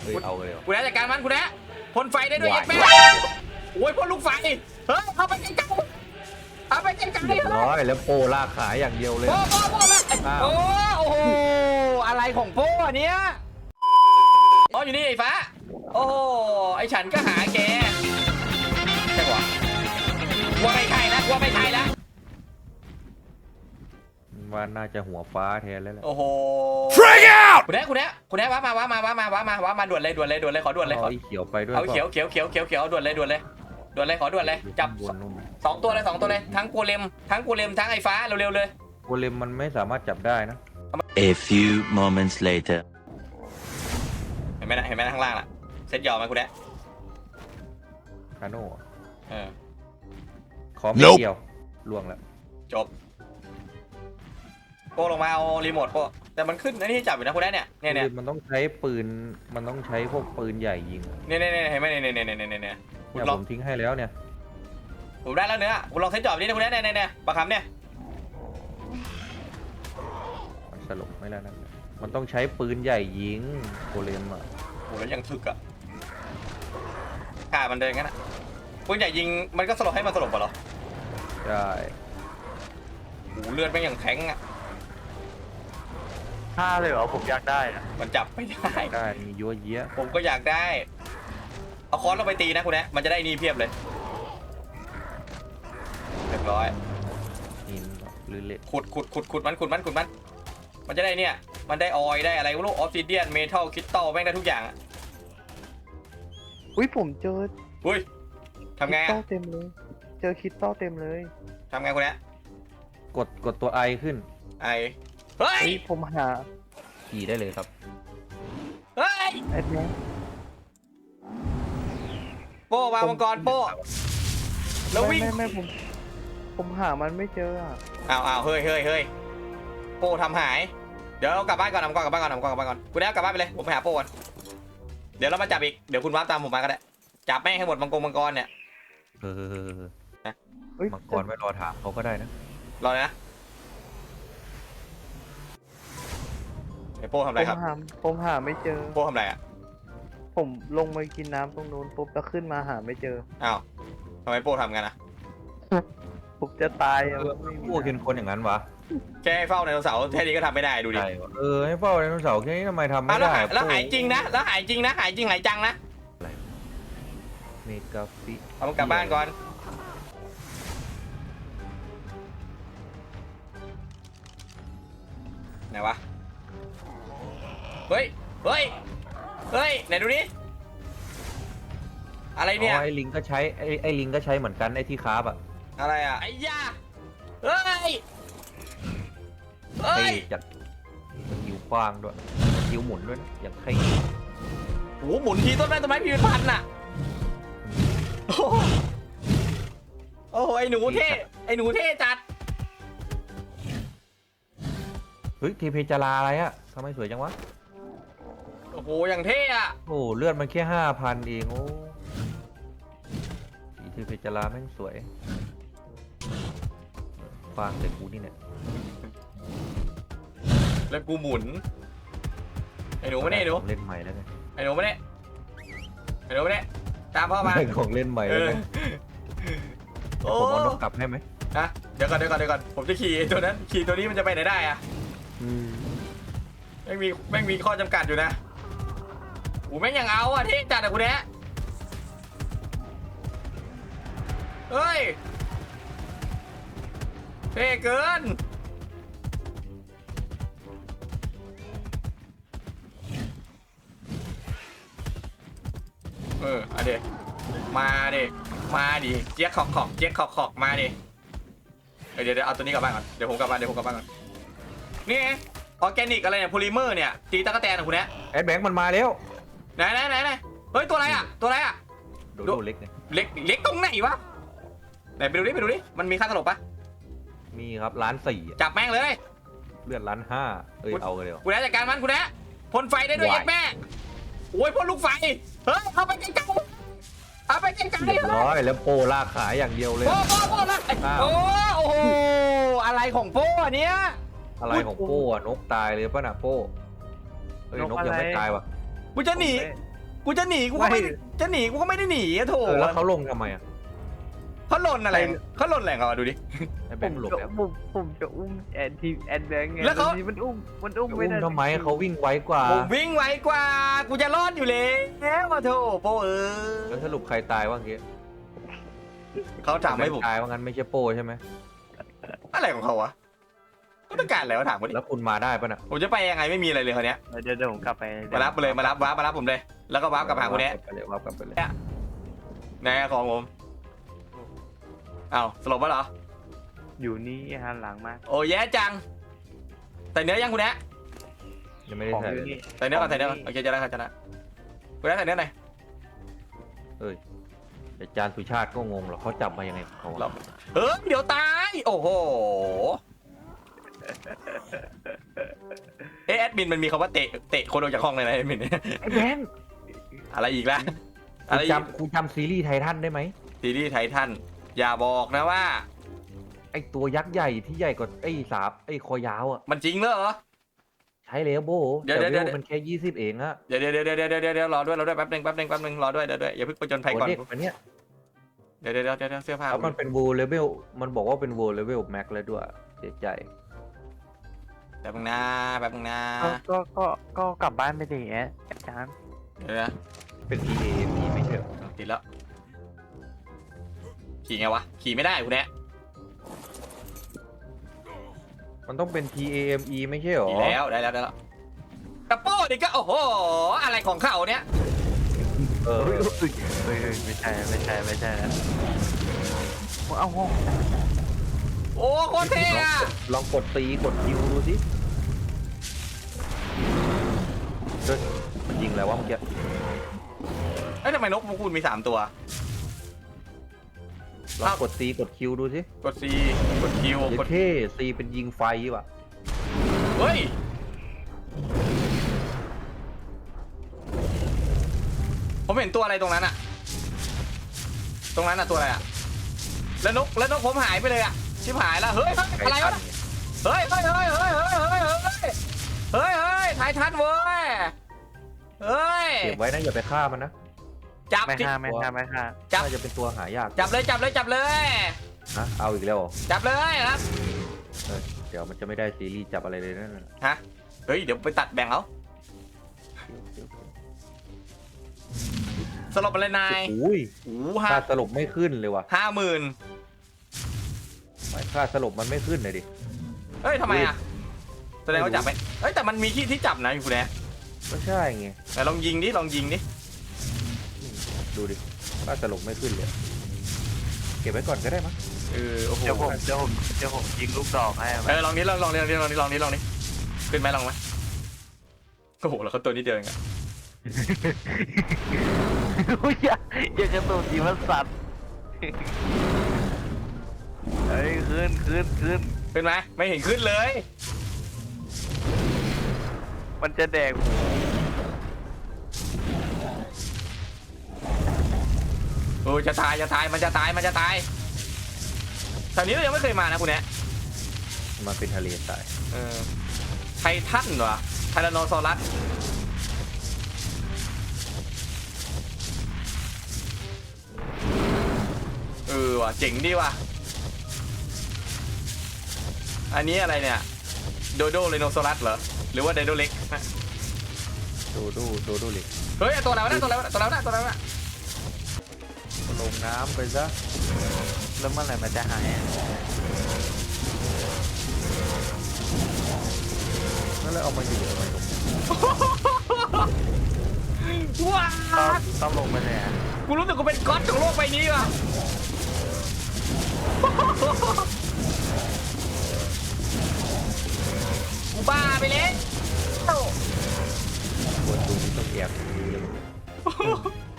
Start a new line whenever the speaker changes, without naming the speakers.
เอาเลย
กูได้จัดการมันกูได้พ่นไฟได้ด้วยแม่โอ้ยพ่นลูกไฟเฮ้ยเอาไปจัดการเอาไปจัดการเลย
ร้อยแล้วโปลากขายอย่างเดียวเลย
โอ้โหอะไรของโป้เนี้ยอ๋ออยู่นี่ไอ้ฟ้าโอ้ไอ้ฉันก็หาแกใช่ปะว่าไม่ใช่นะว่าไม่ใช่นะ
ว่าน่าจะหัวฟ้าแทนแล้วแหละ
โอ้โห Freak out คุณแน่ว้ามาด่วนเลยขอด่วนเลย
เอาเขียวไปด้วย
เอาเขียวด่วนเลยขอด่วนเลยจับ2 ตัวเลยทั้งโกเลมทั้งไอ้ฟ้าเร็วๆเลย
โกเลมมันไม่สามารถจับได้นะ
A few moments later
เห็นไหมข้างล่างล่ะเซ็ตยอมไหมคุณแน่
คาโน่ขอไม่เกี่ยวล่วงแล้ว
จบโป้ลงมาเอารีโมทโป้แต่มันขึ้นอันนี้จับอยู่นะคุณแน่เนี่ย
มันต้องใช้ปืนมันต้องใช้พวกปืนใหญ่ยิง
เนี่ยเห็นไหมเนี่ย
ผมทิ้งให้แล้วเนี่ย
ผมได้แล้วเนื้อคุณลองเซ็ตจอบนี่นะคุณแน่เนี่ยปากคำเนี่ย
มันสลบไม่แล้วนะมันต้องใช้ปืนใหญ่ยิงโกเลมอ่ะ
โหแล้วยังถึกอ่ะขามันเดินงั้นอ่ะปืนใหญ่ยิงมันก็สลบให้มันสลบป่ะหรอ
ใช่
โหเลือดไม่อย่างแข็งอ่ะ
5เลยเหรอผมอยากได้นะ
มันจับไม่ได้
มียั่วเยี้ย
ผมก็อยากได้เอาค้อนเราไปตีนะคุณแน่มันจะได้นี่เพียบเลยเรียบร้อย
หินหรือเหล็ก
ขุดมันจะได้เนี่ยมันได้ออยได้อะไรลูกออฟซิเดียนเมทัลคริสตัลแม่งได้ทุกอย่าง
อุ้ยผมเจอ
อุ้ยทำไง
คริสตัลเต็มเลยเจอคริสตัลเต็มเลย
ทำไงคุณแน่
กดตัวไอขึ้น
ไอเฮ้ย
ผมหา
ขี่ได้เลยครับ
เฮ้ย
ไอ้แม่
โป้มามังกรโป้แล้ววิ่ง
ไม่ผมหามันไม่เจอ
อ้าวเฮ้ยโป้ทำหายเดี๋ยวเรากลับบ้านก่อนกลับบ้านก่อนคุณแน่กลับบ้านไปเลยผมไปหาโป้ก่อนเดี๋ยวเรามาจับอีกเดี๋ยวคุณวาร์ปตามผมมาก็ได้จับแม่งให้หมดมังกรเนี่ย
มังกรไม่รอถามเขาก็ได้นะ
รอเลยนะไอ้โป้ทำอะไรครับ
ผมหาไม่เจอ
โป้ทำอะไรอ่ะ
ผมลงมากินน้ำตรงนู้นปุ๊บแล้วขึ้นมาหาไม่เจอ
อ้าวทำไมโป้ทำกันอ่ะ
ผมจะตาย
พวกเป็นคนอย่างนั้นวะ
แค่ให้เฝ้าไดโนเสาร์แค่นี้ก็ทำไม่ได้ดูดิ
ให้เฝ้าไดโนเสาร์แค่นี้ทำไมทำไม่ได้
แล้วหายจริงนะหายจริงหายจังนะ
เมกาฟิ
เอามันกลับบ้านก่อนไหนวะเฮ้ยไหนดูดิอะไรเนี่ย
ไอ้ลิงก็ใช้ไอ้ลิงก็ใช้เหมือนกันไอ้ที่คาบอะ
อะไรอะไอ้ยาเฮ้ย
จัดมันหิวกว้างด้วยหิวหมุนด้วยนะอย่างใคร
โอ้หมุนทีต้นไม้พี่เป็นพันน่ะโอ้ไอ้หนูเท่จัด
เฮ้ยทีเพจาราอะไรอะทำไมสวยจังวะ
โอ้โหอย่างเท่อะ
โอ้เลือดมันแค่5,000เองโอ้ทีเพจาราแม่งสวยฟางแต่กูนี่เนี่ย
แล้วกูหมุนไอ้หนูไม่ได้หนู
เล่นใหม่แล้วไง
ไอ้หนูไม่ได้ตามพ่อมา
ของเล่นใหม่แล้วไงผมเอานกกลับให้ไหม
นะเดี๋ยวก่อนผมจะขี่ตัวนั้นขี่ตัวนี้มันจะไปไหนได้อะแม่งมีข้อจำกัดอยู่นะแม่งยังเอาอะเท่จัดอะกูเนี้ยเฮ้ยเท่เกินเอาดิมาดิเจี๊ยกขอกมาดิเดี๋ยวเอาตัวนี้กลับบ้านก่อนเดี๋ยวผมกลับบ้านก่อนนี่ออร์แกนิกอะไรเนี่ยโพลิเมอร์เนี่ยตีตะกั่วแตนของคุณเนี่ย
แอดแบงค์มันมาแล้ว
ไหนเฮ้ยตัวอะไรอ่ะ
ดูเล็กไง
เล็กตรงไหนวะไหนไปดูดิมันมีค่าตลบปะ
มีครับ1,400,000
จับแม่งเลย
เลือด1,500,000เอาเลย
คุณแน่จัดการมันคุณแน่พ่นไฟได้ด้วยแม่โอ้ยพ่นลูกไฟเฮ้ยเอาไปไกล
ร้อยแล้วโปลากขายอย่างเดียวเลย
โอ้โหอะไรของโป้เนี้ย
อะไรของโป้นกตายเลยป่ะน่ะโป้นกยังไม่ตายวะ
กูจะหนีกูจะหนีกูก็ไม่จะหนีกูก็ไม่ได้หนีอะโถ
แล้วเขาลงทำไมอ่ะ
เขาหล่นอะไรเขาหล่นแหล่งอ่ะดูดิ
ไอ้แบ
ผ
ง
ม
ค์หลบ
จะ
แล้ว
ผมจะอุ้มแอนทีแอนแบงค์ไง
แล้วเขา
ทีมันอุ้มไม่
อุ้ม
ได้
ทำไมเขาวิ่งไวกว่า
ผมวิ่งไวกว่ากูจะรอดอยู่แล้วมาโถโปเอ
แล้วสรุปใครตายว่างเงี้ย
เขาถามให้ผม
ตายว่างั้นไม่ใช่โป้ใช่ไหม
อะไรของเขาวะเขาต้องการอะไรวะถามกูดิ
แล้วคุณมาได้ปะน่ะ
ผมจะไปยังไงไม่มีอะไรเลยคนเนี้ย
เดี๋ยวผมกลับไป
มารับเลยมารับวาร์ปมารับผมเลย แล้วก็วาร์ปกลับหาคนเนี้ย
ไปเลยวับกลับไปเลย
แน่ของผมอ้าวสลบปะเหรอ
อยู่นี่หันหลังมา
โอ้แย่จังใส่เนื้อยังคุณแนะ
ยังไม่ได้
ของ
ใส่
อยู่
เลย
นี่
ใส่เนื้อก่อนใส่เนื้อก่อนโอเคจะได้ครับจะได้คุณแนะใส่เนื้อหน่อย
แต่จานสุชาติก็งงหรอกเขาจับมายังไงของเขา
เราเฮ้ยเดี๋ยวตายโอ้โหเอะแอดมินมันมีคำว่าเตะคนออกจากห้องเลยนะแอดมิน
ไอ้แบงค์
อะไรอีกล่ะ
คุ
อะไร
ณ
อีก
จำซีรีส์ไททันได้ไหม
ซีรีส์ไททันอย่าบอกนะว่า
ไอ้ตัวยักษ์ใหญ่ที่ใหญ่กว่าไอ้สาบไอ้คอยาวอ่ะ
มันจริงเหรอ
ใช้แล้วโบ
เดี๋ยว
แต่
เดี๋ยว
เวลมันแค่20เองอะ
เดี๋ยวรอด้วยแป๊บนึงรอด้วยเดี๋ยวอย่าเพิ่งไปจนภัยก่อน
โเด็กอันเนี้ย
เดี๋ยวเสื้อผ้า
แล้วมันเป็นโวเลเวลมันบอกว่าเป็นโวเลเวลแม็กแล้วด้วยเสียใจ
แป๊บนึงนะ
ก็กลับบ้านไปดิแอดอาจารย์
เดี๋ยวนะ
เป็น PA มีไม่ใช่เหรอ
ติดแล้วขี่ไงวะขี่ไม่ได้คุณแนะ
มันต้องเป็น TAME ไม่ใช่เหรอ
ขี่แล้วได้แล้วกระโป้ดิก็โอ้โหอะไรของเขาเนี่ย
เออ
เฮ้ยไม่ใช่แล้วเอาห้อง
โอ้โคตรเท่อะ
ลองกดตีกดคิวดูสิเฮ้ยมันยิงแล้ววะเมื่อกี้
เอ้ยทำไมนกพวกคุณมี3ตัว
ลองกดตีกดคิวดูสิ
กด C กด Q
เดี๋ย
ก
ว
ด
เท่ซีเป็นยิงไฟว่ะ
เฮ้ยผมเห็นตัวอะไรตรงนั้นอะตัวอะไรอะแล้วนกผมหายไปเลยอะชิบหายแล้วเฮ้ยอะไรวะเฮ้ยไททันเว้ยเฮ้ย
เก็บไว้นะอย่าไปฆ่ามันนะ
จับ
ไม่
จิ
ฆ่า
จับ
น่าจะเป็นตัวหายาก
จับเลย
นะเอาอีกแล้วเหรอ
จับเลยครับ
เดี๋ยวมันจะไม่ได้ซีรีส์จับอะไรเลยนั่นน่ะ
ฮะเฮ้ยเดี๋ยวไปตัดแบ่งเอาสลบไปเลยนาย
อุ้ย
โอ้
ค่าสลบไม่ขึ้นเลยว่ะ
50,000
ไม่ค่าสลบมันไม่ขึ้นเลยดิ
เฮ้ยทำไมอะแสดงว่าจับไปเฮ้ยแต่มันมีที่จับนะคุณแนะ
ก็ใช่ไง
แต่ลองยิงดิ
ดูดิค่าสลบไม่ขึ้นเลยเก็บไว้ก่อนก็ได้มั้ง
โอ้โห
เดี๋ยวผมยิงลูกดอกให้
ลองนี้ขึ้นไหมลองไหมโอ้โหแล้วเขาตัวนี้เดียวเองอะ
อย่ากระตุ้นดีมันสัตว์เฮ้ยขึ้น
ขึ้นไหมไม่เห็นขึ้นเลย
มันจะแดก
โอ้จะตายมันจะตายแถวนี้เรายังไม่เคยมานะคุณแนะ
มาเป็นทะเลทราย
ไททันเหรอไทแรนโนซอรัสว่ะเจ๋งดีว่ะอันนี้อะไรเนี่ยโดโดเรโนซอรัสเหรอหรือว่าไดโดเล็ก
โดโดเล็ก
เฮ้ยตัวแล้วนะ
ลงน้ำไปซะ
แล้วเมื่อไหร่มันจะหาย
นั่นแล้วเอามาอยู่ทำไมตรงนี้
ว้า
ต้องลงไปเลยอ่ะ
กูรู้สึกกูเป็นก๊อตของโลกใบนี้ว่ะกูบ้าไปเลย
คนดูนี่ต้องแอบดูเลย